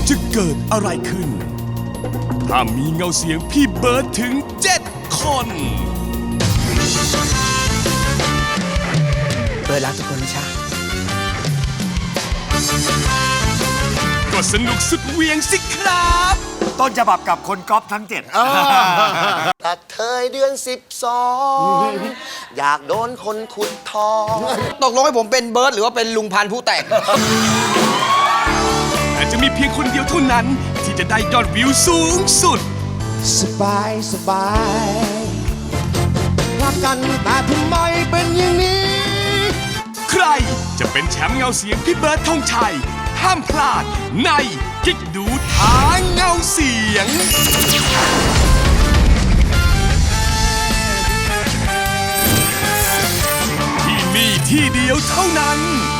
จะเกิดอะไรขึ้น ถ้ามีเงาเสียงพี่เบิร์ดถึง 7 คนเบิร์ดรักทุกคนนะชาก็สนุกสุดเหวียงสิครับต้นฉบับกับคนก๊อปทั้ง 7 กระเทยเดือน 12 อยากโดนคนขุดทองตกลงให้ผมเป็นเบิร์ดหรือว่าเป็นลุงพันธุ์ผู้แต่งแต่จะมีเพียงคนเดียวเท่านั้น ที่จะได้ยอดวิวสูงสุดสบายสบายรักกันแต่ทำไมเป็นอย่างนี้ใครจะเป็นแชมป์เงาเสียงพี่เบิร์ดธงชัย ห้ามพลาดในกิ๊กดูท้าเงาเสียง ที่นี่ที่เดียวเท่านั้น